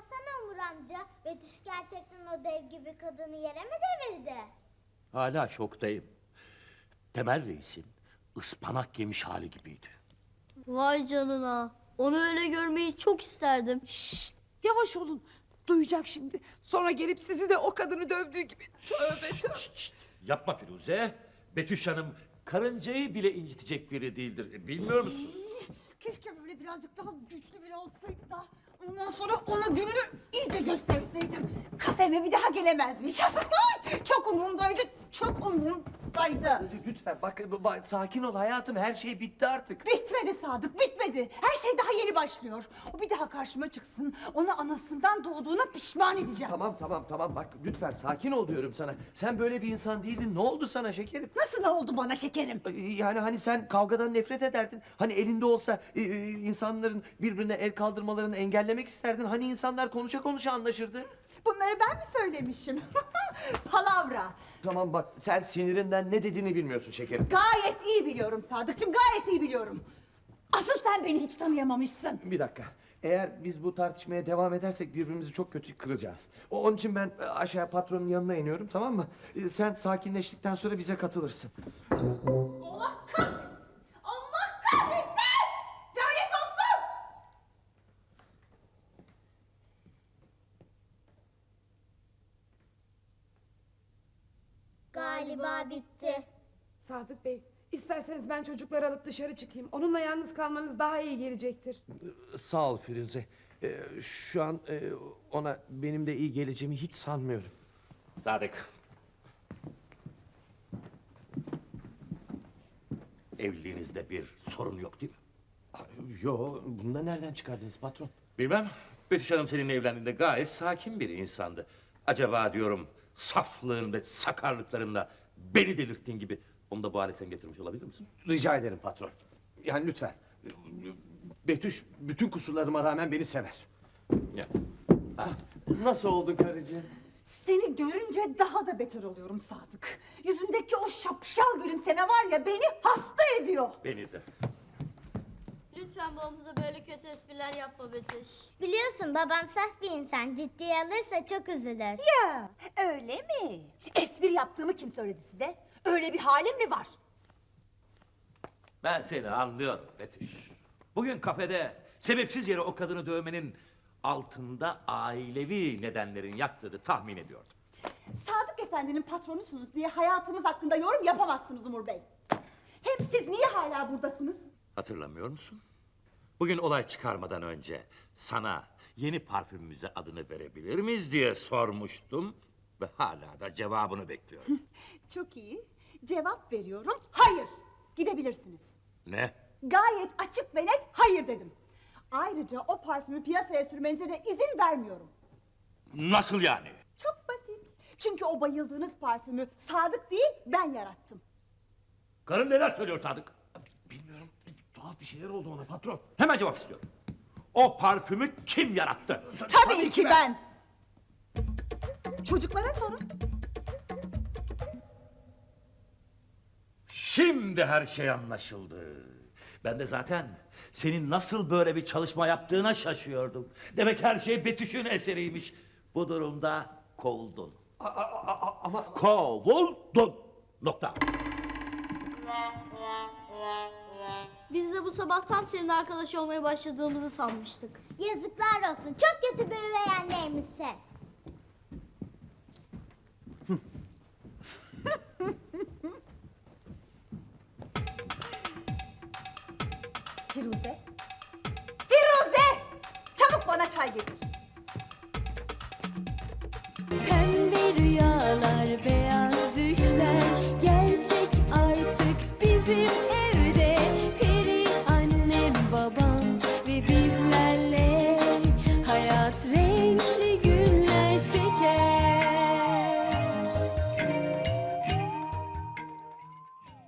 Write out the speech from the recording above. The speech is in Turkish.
anlatsana Umur amca. Betüş gerçekten o dev gibi kadını yere mi devirdi? Hala şoktayım. Temel Reis'in ıspanak yemiş hali gibiydi. Vay canına. Onu öyle görmeyi çok isterdim. Şşt, yavaş olun. Duyacak şimdi. Sonra gelip sizi de o kadını dövdüğü gibi. Tövbe tövbe. Şşt, yapma Firuze. Betüş Hanım karıncayı bile incitecek biri değildir. Bilmiyor musun? Keşke böyle birazcık daha güçlü biri olsaydı da ondan sonra ona gününü iyice gösterseydim. Kafeme bir daha gelemezmiş. Çok umurumdaydı, çok umurumdaydı. Lütfen bak, sakin ol hayatım, her şey bitti artık. Bitmedi Sadık, bitmedi. Her şey daha yeni başlıyor. O bir daha karşıma çıksın, onu anasından doğduğuna pişman edeceğim. Tamam bak lütfen sakin ol diyorum sana. Sen böyle bir insan değildin, ne oldu sana şekerim? Nasıl oldu bana şekerim? Yani hani sen kavgadan nefret ederdin. Hani elinde olsa insanların birbirine el kaldırmalarını engellemek isterdin. Hani insanlar konuşa konuşa anlaşırdı. Bunları ben mi söylemişim? Palavra. Tamam bak, sen sinirinden ne dediğini bilmiyorsun şekerim. Gayet iyi biliyorum Sadıkçım, gayet iyi biliyorum. Asıl sen beni hiç tanıyamamışsın. Bir dakika. Eğer biz bu tartışmaya devam edersek birbirimizi çok kötü kıracağız. Onun için ben aşağı patronun yanına iniyorum, tamam mı? Sen sakinleştikten sonra bize katılırsın. Allah kahretsin! Allah kahretsin! Lanet olsun! Galiba bitti. Sadık Bey, isterseniz ben çocukları alıp dışarı çıkayım. Onunla yalnız kalmanız daha iyi gelecektir. Sağ ol Firuze. Şu an ona benim de iyi geleceğimi hiç sanmıyorum. Sadık. Evliliğinizde bir sorun yok değil mi? Yo, bunu da nereden çıkardınız patron? Bilmem. Betüş Hanım seninle evlendiğinde gayet sakin bir insandı. Acaba diyorum saflığın ve sakarlıklarınla beni delirttiğin gibi onu da bu hale sen getirmiş olabilir misin? Rica ederim patron. Yani lütfen. Betüş bütün kusurlarıma rağmen beni sever. Ya. Nasıl oldun karıcığım? Seni görünce daha da beter oluyorum Sadık. Yüzündeki o şapşal gülümseme var ya beni hasta ediyor. Beni de. Lütfen babamıza böyle kötü espriler yapma Betüş. Biliyorsun babam saf bir insan. Ciddiye alırsa çok üzülür. Ya öyle mi? Espri yaptığımı kim söyledi size? Öyle bir halim mi var? Ben seni anlıyorum Betüş. Bugün kafede sebepsiz yere o kadını dövmenin altında ailevi nedenlerin yattığını tahmin ediyordum. Sadık Efendi'nin patronusunuz diye hayatımız hakkında yorum yapamazsınız Umur Bey. Hem siz niye hala buradasınız? Hatırlamıyor musun? Bugün olay çıkarmadan önce sana yeni parfümümüze adını verebilir miyiz diye sormuştum. Ve hala da cevabını bekliyorum. Çok iyi. Cevap veriyorum. Hayır. Gidebilirsiniz. Ne? Gayet açık ve net hayır dedim. Ayrıca o parfümü piyasaya sürmenize de izin vermiyorum. Nasıl yani? Çok basit. Çünkü o bayıldığınız parfümü Sadık değil ben yarattım. Karın neler söylüyor Sadık? Bilmiyorum. Tuhaf bir şeyler oldu ona patron. Hemen cevap istiyorum. O parfümü kim yarattı? Tabii ki ben. Çocuklara sorun. Şimdi her şey anlaşıldı. Ben de zaten senin nasıl böyle bir çalışma yaptığına şaşıyordum. Demek her şey Betüş'ün eseriymiş. Bu durumda kovuldun. Ama Kovuldun. Nokta. Biz de bu sabah tam senin arkadaş olmaya başladığımızı sanmıştık. Yazıklar olsun. Çok kötü bir üvey anneymişsin. Firuze. Firuze! Çabuk bana çay getir.